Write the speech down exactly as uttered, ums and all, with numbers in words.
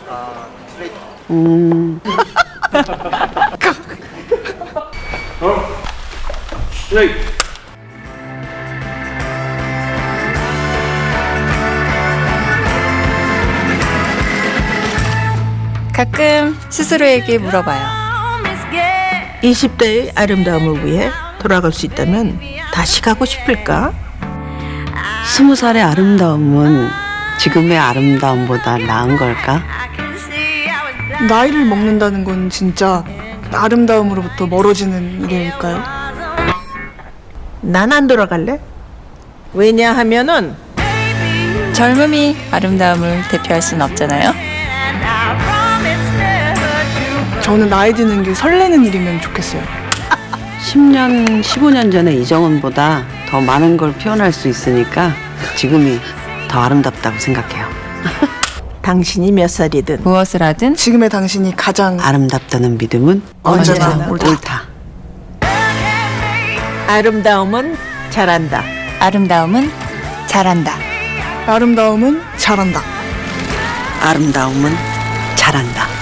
음. 가끔 스스로에게 물어봐요. 이십 대의 아름다움을 위해 돌아갈 수 있다면 다시 가고 싶을까? 스무 살의 아름다움은 지금의 아름다움보다 나은 걸까? 나이를 먹는다는 건 진짜 아름다움으로부터 멀어지는 일일까요? 난 안 돌아갈래. 왜냐하면은 젊음이 아름다움을 대표할 순 없잖아요. 저는 나이 드는 게 설레는 일이면 좋겠어요. 십 년, 십오 년 전에 이정은보다 더 많은 걸 표현할 수 있으니까 지금이 더 아름답다고 생각해요. 당신이 몇 살이든 무엇을 하든 지금의 당신이 가장 아름답다는 믿음은 언제나 언제나 옳다. 옳다. 아름다움은 잘한다. 아름다움은 잘한다. 아름다움은 잘한다. 아름다움은 잘한다.